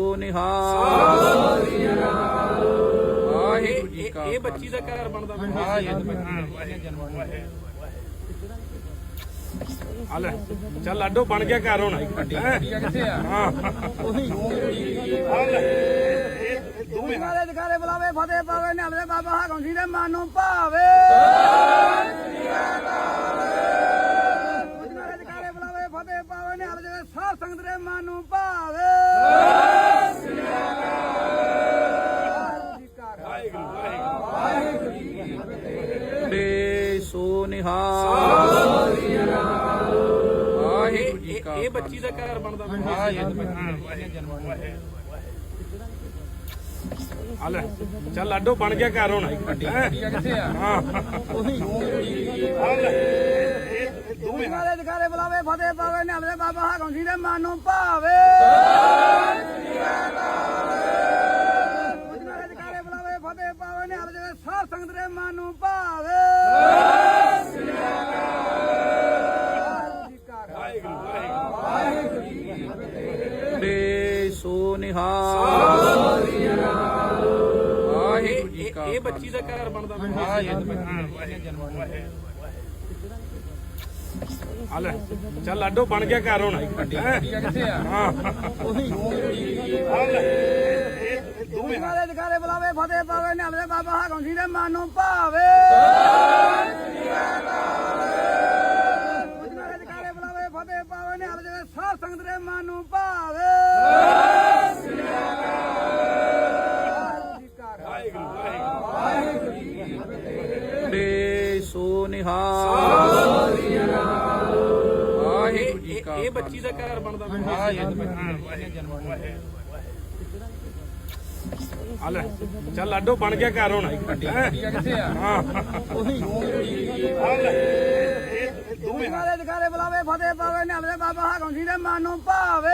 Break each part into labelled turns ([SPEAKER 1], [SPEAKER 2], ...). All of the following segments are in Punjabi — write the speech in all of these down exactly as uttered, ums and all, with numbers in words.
[SPEAKER 1] ਨਿਹਾਲ।
[SPEAKER 2] ਵਾਹਿਗੁਰੂ ਜੀ ਕਾ ਇਹ ਬੱਚੀ ਦਾ ਘਰ ਬਣਦਾ ਹਲੇ ਚੱਲ ਲਾਡੋ ਬਣ ਗਿਆ ਘਰ ਹੁਣ ਕਿੱਥੇ ਆ ਹਾਂ ਉਹੀ
[SPEAKER 3] ਦੁਆਰੇ ਜਕਾਰੇ ਬੁਲਾਵੇ ਫਤਿਹ ਪਾਵੇ ਨਿਹਲੇ ਬਾਬਾ ਹਾਕਮ ਜੀ ਦੇ ਮਨ ਨੂੰ ਭਾਵੇ। ਦੁਆਰੇ ਜਕਾਰੇ ਬੁਲਾਵੇ ਫਤਿਹ ਪਾਵੇ ਨਿਹਲੇ ਜਿਹੜੇ ਸਾਧ ਸੰਗਤ ਦੇ ਮਨ ਨੂੰ ਭਾਵੇ।
[SPEAKER 1] ਬੇ ਸੋ ਨਿਹਾਲ।
[SPEAKER 2] ਵਾਹਿਗੁਰੂ ਜੀ ਕਾ ਇਹ ਬੱਚੀ ਦਾ ਘਰ ਬਣਦਾ ਹਲੇ ਚੱਲ ਲਾਡੋ ਬਣ ਗਿਆ ਘਰ ਹੁਣ ਕਿੱਥੇ ਆ ਹਾਂ ਉਹੀ
[SPEAKER 3] ਦੁਆਰੇ ਜਕਾਰੇ ਬੁਲਾਵੇ ਫਤਿਹ ਪਾਵੇ ਨਿਹਲੇ ਬਾਬਾ ਹਾਕਮ ਜੀ ਦੇ ਮਨ ਨੂੰ ਭਾਵੇ। ਦੁਆਰੇ ਜਕਾਰੇ ਬੁਲਾਵੇ ਫਤਿਹ ਪਾਵੇ ਨਿਹਲੇ ਜਿਹੜੇ ਸਾਧ ਸੰਗਤ ਦੇ ਮਨ ਨੂੰ ਭਾਵੇ।
[SPEAKER 1] ਬੇ ਸੋ ਨਿਹਾਲ।
[SPEAKER 2] ਵਾਹਿਗੁਰੂ ਜੀ ਕਾ ਇਹ ਬੱਚੀ ਦਾ ਘਰ ਬਣਦਾ ਹਲੇ ਚੱਲ ਲਾਡੋ ਬਣ ਗਿਆ ਘਰ ਹੁਣ ਕਿੱਥੇ ਆ ਹਾਂ ਉਹੀ
[SPEAKER 3] ਦੁਆਰੇ ਜਕਾਰੇ ਬੁਲਾਵੇ ਫਤਿਹ ਪਾਵੇ ਨਿਹਲੇ ਬਾਬਾ ਹਾਕਮ ਜੀ ਦੇ ਮਨ ਨੂੰ ਭਾਵੇ। ਦੁਆਰੇ ਜਕਾਰੇ ਬੁਲਾਵੇ ਫਤਿਹ ਪਾਵੇ ਨਿਹਲੇ ਜਿਹੜੇ ਸਾਧ ਸੰਗਤ ਦੇ ਮਨ ਨੂੰ ਭਾਵੇ।
[SPEAKER 1] ਬੇ ਸੋ ਨਿਹਾਲ।
[SPEAKER 2] ਵਾਹਿਗੁਰੂ ਜੀ ਕਾ ਇਹ ਬੱਚੀ ਦਾ ਘਰ ਬਣਦਾ ਹਲੇ ਚੱਲ ਲਾਡੋ ਬਣ ਗਿਆ ਘਰ ਹੁਣ ਕਿੱਥੇ ਆ ਹਾਂ ਉਹੀ
[SPEAKER 3] ਦੁਆਰੇ ਜਕਾਰੇ ਬੁਲਾਵੇ ਫਤਿਹ ਪਾਵੇ ਨਿਹਲੇ ਬਾਬਾ ਹਾਕਮ ਜੀ ਦੇ ਮਨ ਨੂੰ ਭਾਵੇ।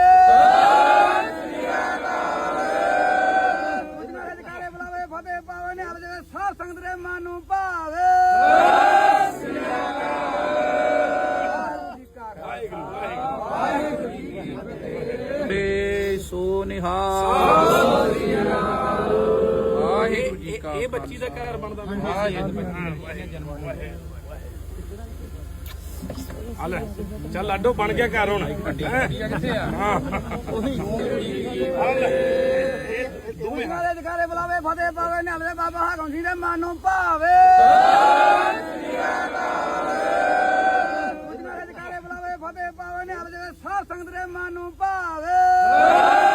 [SPEAKER 3] ਦੁਆਰੇ ਜਕਾਰੇ ਬੁਲਾਵੇ ਫਤਿਹ ਪਾਵੇ ਨਿਹਲੇ ਜਿਹੜੇ ਸਾਧ ਸੰਗਤ ਦੇ ਮਨ ਨੂੰ ਭਾਵੇ।
[SPEAKER 1] ਬੇ ਸੋ ਨਿਹਾਲ।
[SPEAKER 2] ਵਾਹਿਗੁਰੂ ਜੀ ਕਾ ਇਹ ਬੱਚੀ ਦਾ ਘਰ ਬਣਦਾ ਹਲੇ ਚੱਲ ਲਾਡੋ ਬਣ ਗਿਆ ਘਰ ਹੁਣ ਕਿੱਥੇ ਆ ਹਾਂ ਉਹੀ
[SPEAKER 3] ਦੁਆਰੇ ਜਕਾਰੇ ਬੁਲਾਵੇ ਫਤਿਹ ਪਾਵੇ ਨਿਹਲੇ ਬਾਬਾ ਹਾਕਮ ਜੀ ਦੇ ਮਨ ਨੂੰ ਭਾਵੇ। ਦੁਆਰੇ ਜਕਾਰੇ ਬੁਲਾਵੇ ਫਤਿਹ ਪਾਵੇ ਨਿਹਲੇ ਜਿਹੜੇ ਸਾਧ ਸੰਗਤ ਦੇ ਮਨ ਨੂੰ ਭਾਵੇ।